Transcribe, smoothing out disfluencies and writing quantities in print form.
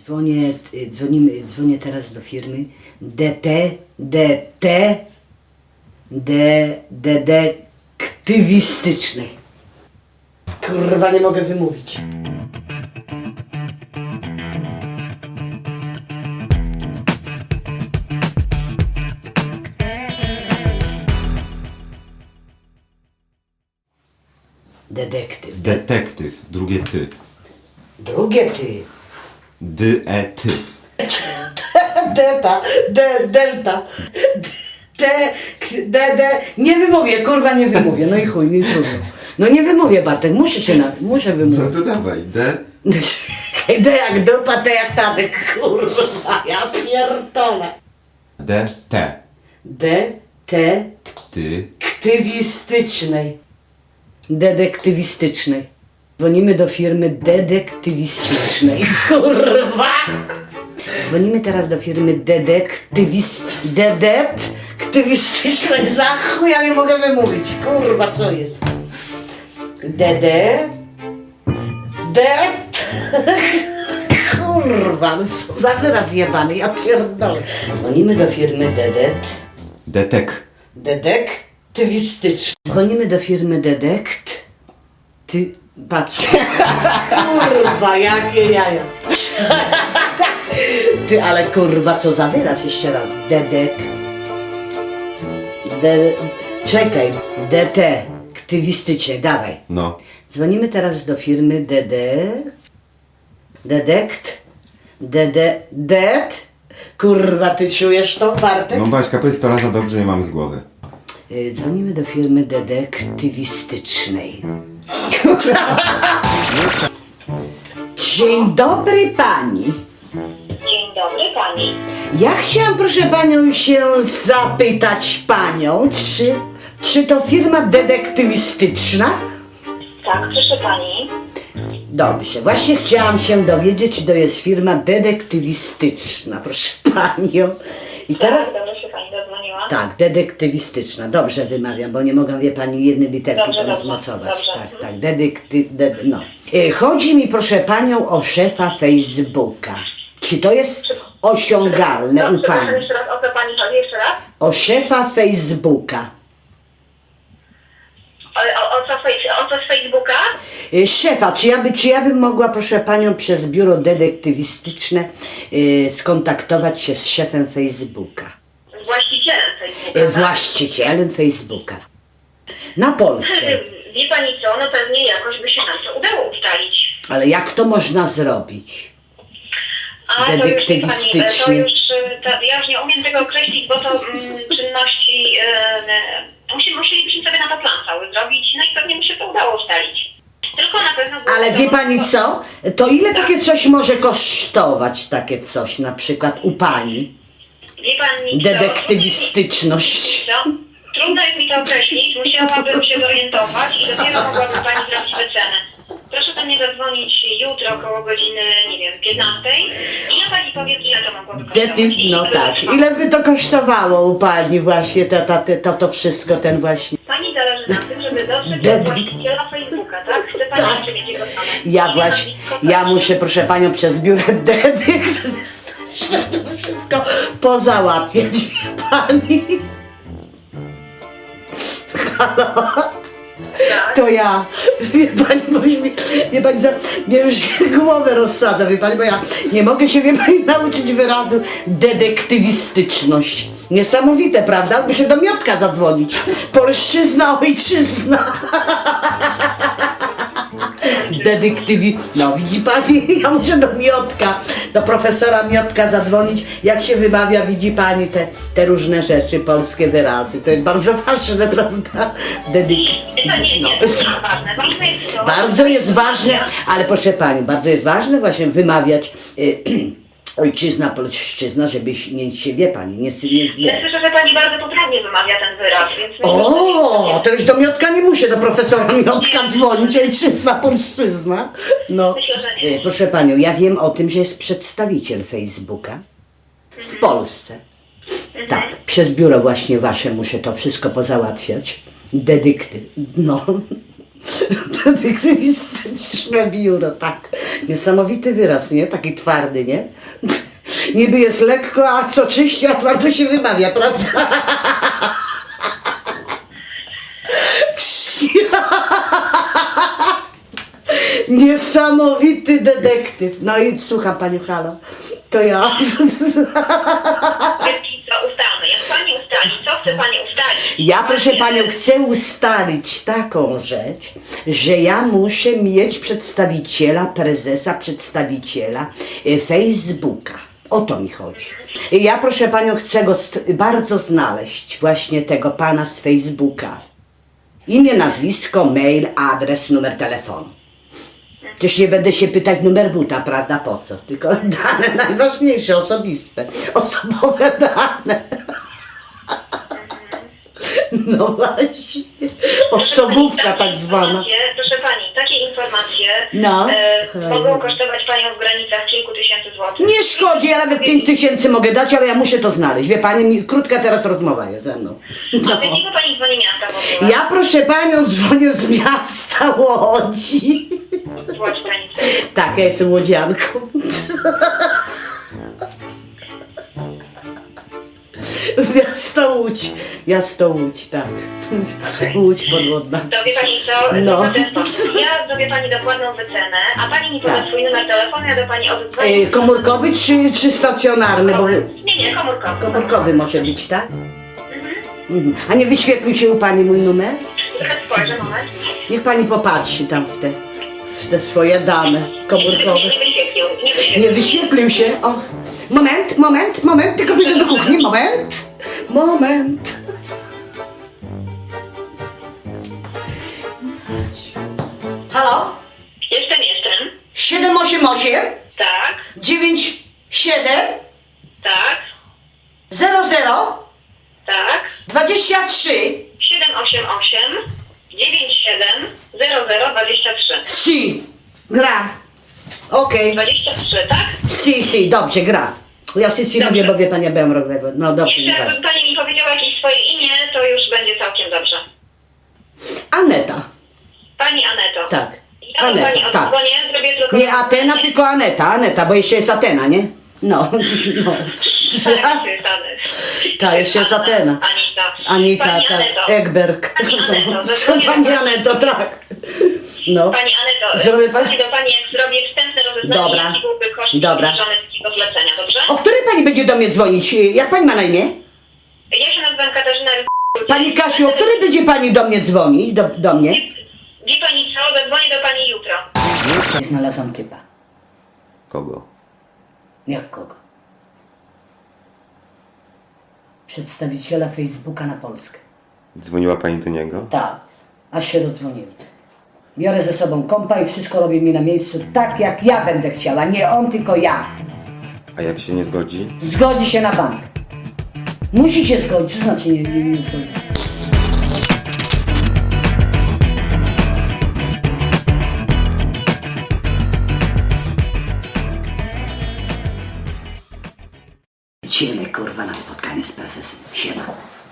Dzwonię teraz do firmy detektywistycznej. Kurwa, nie mogę wymówić. Detektyw. Detektyw, drugie ty. Drugie ty. Ty. Delta. Nie wymówię, kurwa, nie wymówię. No i chuj, mi trudno. No nie wymówię, Bartek, muszę No wymówić. to dawaj, D jak dupa, T jak tadek, kurwa, ja pierdolę. T. Detektywistycznej. Detektywistycznej. Dzwonimy do firmy detektywistycznej. Kurwa! Dzwonimy teraz do firmy detektywistycznej. Za chuj, ja nie mogę wymówić. Kurwa, co jest? Kurwa, no co za wyraz jebany, ja pierdolę. Dzwonimy do firmy detektywistycznej. Dzwonimy do firmy Patrz. Kurwa, jakie jaja. Ty, ale kurwa, co za wyraz? Jeszcze raz. Czekaj. Detektywistycznej, dawaj. No. Dzwonimy teraz do firmy Kurwa, ty czujesz to, Bartek? No Baśka, powiedz to raz za dobrze, nie mam z głowy. Dzwonimy do firmy detektywistycznej. Dzień dobry pani. Dzień dobry pani. Ja chciałam, proszę panią, się zapytać panią, czy to firma detektywistyczna? Tak, proszę pani. Dobrze, właśnie chciałam się dowiedzieć, czy to jest firma detektywistyczna, proszę panią. I teraz... Tak, dobrze się pani dodzwoniła. Tak, detektywistyczna. Dobrze wymawiam, bo nie mogę, wie pani, jednej literki Dobrze, tam dobrze, zmocować. dobrze. Tak, no. Chodzi mi, proszę panią, o szefa Facebooka. Czy to jest osiągalne u pani? Jeszcze raz, o co pani chodzi? Jeszcze raz? O szefa Facebooka. O co z Facebooka? Szefa, czy ja bym mogła, proszę panią, przez biuro detektywistyczne skontaktować się z szefem Facebooka? Z właścicielem Facebooka. Właścicielem Facebooka. Na Polskę. Wie pani co, no pewnie jakoś by się nam to udało ustalić. Ale jak to można zrobić? A Detektywistycznie. Ja już nie umiem tego określić, bo to czynności... musielibyśmy sobie na to plan cały zrobić, no i pewnie by się to udało ustalić. Tylko na pewno... Ale wie pani co? To ile takie coś może kosztować, takie coś, na przykład u pani? Wie pani co? Detektywistyczność. Trudno jest mi to określić, musiałabym się zorientować i dopiero mogłabym pani zrobić wycenę. Proszę do mnie zadzwonić jutro około godziny, nie wiem, 15 i ja pani powiem, ile to mogłoby kosztować. No tak, ile by to kosztowało u pani właśnie to wszystko, ten właśnie... Pani zależy na tym, żeby dotrzeć do właściciela Facebooka, tak? Chce pani Tak. jeszcze mieć jego stronę. Ja muszę, proszę panią, przez biuro detektywistyczne to wszystko pozałatwiać, wie pani. Halo? To ja, wie pani, wie pani co, mnie już głowę rozsadza, wie pani, bo ja nie mogę się, wie pani, nauczyć wyrazu detektywistyczność. Niesamowite, prawda? Muszę do Miotka zadzwonić. Polszczyzna, ojczyzna. No widzi pani, ja muszę do Miotka, do profesora Miotka zadzwonić, jak się wymawia, widzi pani, te różne rzeczy, polskie wyrazy. To jest bardzo ważne, prawda? Bardzo jest ważne, ale proszę pani, bardzo jest ważne właśnie wymawiać ojczyzna, polszczyzna, żeby się, wie pani, nie wie. Ja słyszę, że pani bardzo poprawnie wymawia ten wyraz, więc... O, to już do Miotka nie muszę, do profesora Miotka dzwonić, ojczyzna, polszczyzna. No, Myślę, że nie. proszę panią, ja wiem o tym, że jest przedstawiciel Facebooka w Polsce. Tak, przez biuro właśnie wasze muszę to wszystko pozałatwiać. No. Detektywistyczne biuro, tak. Niesamowity wyraz, nie? Taki twardy, nie? Niby jest lekko, a soczyście, a twardo się wymawia, prawda? Niesamowity detektyw. No i słucham Pani, halo. To ja. Co ustalmy? Jak pani ustali, co chce pani ustalić? Ja, proszę Panią, chcę ustalić taką rzecz, że ja muszę mieć przedstawiciela, prezesa, przedstawiciela Facebooka. O to mi chodzi. I ja, proszę Panią, chcę go bardzo znaleźć, właśnie tego pana z Facebooka. Imię, nazwisko, mail, adres, numer telefonu. Też nie będę się pytać numer buta, prawda, po co? Tylko dane najważniejsze, osobiste. Osobowe dane. No właśnie. Osobówka tak zwana. Proszę pani, takie informacje No. mogą kosztować panią w granicach kilku tysięcy złotych. Nie szkodzi, ja nawet 5000 mogę dać, ale ja muszę to znaleźć. Wie Pani, krótka teraz rozmowa jest ze mną. A No. z jakiego pani dzwoni miasta w ogóle? Ja, proszę Panią, dzwonię z miasta Łodzi. Z Łodzi pani. Tak, ja jestem łodzianką. Miasto Łódź, tak. Łódź podwodna. To wie pani co? No. To w ten sposób. Ja zrobię pani dokładną wycenę, a pani mi poda swój numer telefonu, ja do pani oddzwonię. Komórkowy czy stacjonarny? Bo Nie, komórkowy. komórkowy może być, tak? Mhm. A nie wyświetlił się u Pani mój numer? Trochę spojrzę, moment. Niech Pani popatrzy tam w te swoje dane komórkowe. Nie wyświetlił, nie wyświetlił. Nie wyświetlił się. Och. Moment, tylko pójdę do kuchni. Moment. Halo? Jestem. 788 Tak, 97 tak, 00 tak. 23 788 97 0023. Si. Gra. Okej. 23, tak? Si, dobrze, gra. Ja si Dobrze. mówię, bo wie Pani, ja byłam rok we... No dobrze, Jeszcze nieważne. jakby pani mi powiedziała jakieś swoje imię, to już będzie całkiem dobrze. Aneta. Pani Aneto. Tak. Ja do pani Aneta, tak. odzwonię, zrobię tylko... Nie Atena, tylko Aneta, bo jeszcze jest Atena, nie? No. Tak, jeszcze jest Anet. Tak, jeszcze jest Atena. Anita, Pani tak. Aneto. Egberg. Pani Aneto, Co zadzwonię Pani do- Aneto, tak. No. Pani Aneto, Zrobię pani- do pani jak zrobię wstępne rozeznanie, Dobra. jaki byłby koszt Dobra. zbliżony takiego zlecenia, dobrze? O której Pani będzie do mnie dzwonić? Jak Pani ma na imię? Ja się nazywam Katarzyna Pani Kasiu, o której będzie Pani do mnie dzwonić? Do mnie? Wie pani co? Zadzwonię do pani jutro. Znalazłam typa. Kogo? Jak kogo? Przedstawiciela Facebooka na Polskę. Dzwoniła pani do niego? Tak, aż się dodzwoniłem. Biorę ze sobą kompa i wszystko robię mi na miejscu tak, jak ja będę chciała. Nie on, tylko ja. A jak się nie zgodzi? Zgodzi się na bank. Musi się zgodzić, to znaczy nie zgodzi. Idziemy, kurwa, na spotkanie z prezesem. Siema.